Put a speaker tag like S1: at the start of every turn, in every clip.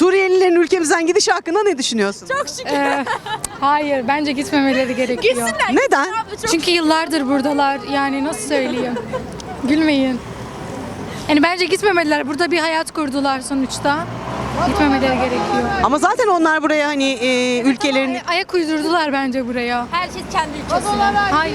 S1: Suriyelilerin ülkemizden gidişi hakkında ne düşünüyorsun?
S2: Çok şükür.
S3: Hayır, bence gitmemeleri gerekiyor.
S2: Gitsinler.
S1: Neden?
S2: Abi, çok
S3: Çünkü yıllardır buradalar. Yani nasıl söyleyeyim? Gülmeyin. Yani bence gitmemeliler. Burada bir hayat kurdular sonuçta. Gitmemeleri gerekiyor.
S1: Ama zaten onlar buraya hani ülkelerini
S3: Ayak uydurdular bence buraya.
S2: herkes kendi ülkesine.
S3: Hayır.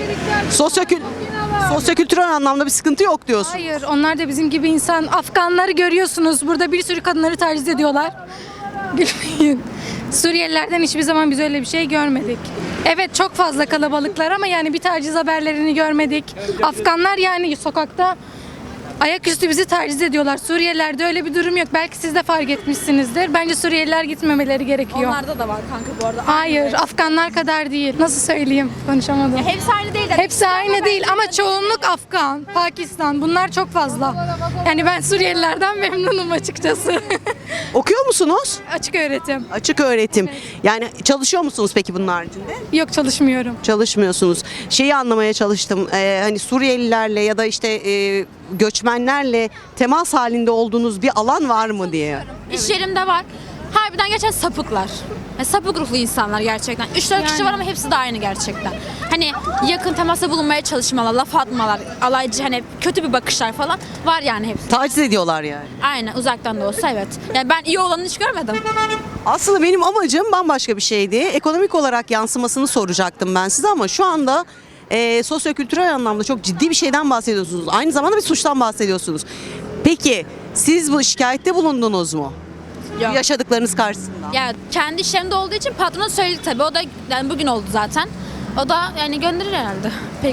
S1: sosyokültürel anlamda bir sıkıntı yok diyorsun.
S3: Hayır, onlar da bizim gibi insan. Afganları görüyorsunuz. Burada bir sürü kadınları taciz ediyorlar. Gülmeyin. Suriyelilerden hiçbir zaman biz öyle bir şey görmedik. Evet, çok fazla kalabalıklar ama yani bir taciz haberlerini görmedik. Afganlar yani sokakta ayaküstü bizi taciz ediyorlar. Suriyelilerde öyle bir durum yok. Belki siz de fark etmişsinizdir. Bence Suriyeliler gitmemeleri gerekiyor.
S2: Onlarda da var kanka bu arada.
S3: Hayır, Afganlar kadar değil. Nasıl söyleyeyim? Konuşamadım.
S2: Hepsi aynı değil.
S3: Hepsi aynı değil ama çoğunluk Afgan, Pakistan. Bunlar çok fazla. Yani ben Suriyelilerden memnunum açıkçası.
S1: Okuyor musunuz?
S3: Açık öğretim.
S1: Açık öğretim. Yani çalışıyor musunuz peki bunun haricinde?
S3: Yok, çalışmıyorum.
S1: Çalışmıyorsunuz. Şeyi anlamaya çalıştım. Hani Suriyelilerle ya da işte göçmenlerle temas halinde olduğunuz bir alan var mı diye.
S2: İş yerimde var. Harbiden geçen sapıklar. Yani sapık ruhlu insanlar gerçekten. 3-4 kişi var ama hepsi de aynı gerçekten. Hani yakın temasa bulunmaya çalışmalar, laf atmalar, alaycı hani kötü bir bakışlar falan var yani hepsi.
S1: Taciz ediyorlar yani.
S2: Aynen, uzaktan da olsa evet. Yani ben iyi olanı hiç görmedim.
S1: Aslında benim amacım bambaşka bir şeydi. Ekonomik olarak yansımasını soracaktım ben size ama şu anda sosyokültürel anlamda çok ciddi bir şeyden bahsediyorsunuz. Aynı zamanda bir suçtan bahsediyorsunuz. Peki siz bu şikayette bulundunuz mu?
S2: Yok.
S1: Yaşadıklarınız karşısında.
S2: Ya kendi iş yerimde olduğu için patrona söyledi tabii. O da yani bugün oldu zaten. O da yani gönderir herhalde.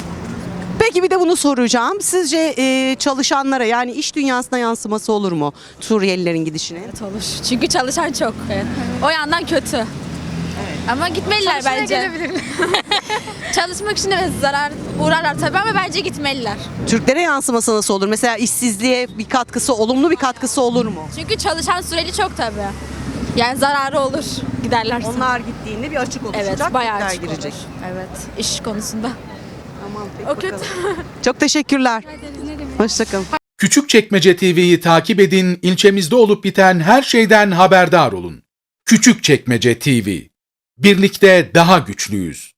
S1: Peki bir de bunu soracağım. Sizce çalışanlara yani iş dünyasına yansıması olur mu Suriyelilerin gidişine?
S2: Olur. Çünkü çalışan çok. Evet. O yandan kötü. Ama gitmeliler bence. Çalışmak için evet zarar uğrarlar tabii ama bence gitmeliler.
S1: Türklere yansıması nasıl olur? Mesela işsizliğe bir katkısı, olumlu bir katkısı olur mu?
S2: Çünkü çalışan süreli çok tabii. Yani zararı olur giderlerse.
S1: Onlar gittiğinde bir açık olacak.
S2: Evet, bayağı
S1: Türkler
S2: açık
S1: girecek.
S2: olur. Evet, iş konusunda.
S1: Tamam,
S2: O kötü.
S1: Çok teşekkürler. Hoşçakalın.
S4: Küçükçekmece TV'yi takip edin, ilçemizde olup biten her şeyden haberdar olun. Küçükçekmece TV. Birlikte daha güçlüyüz.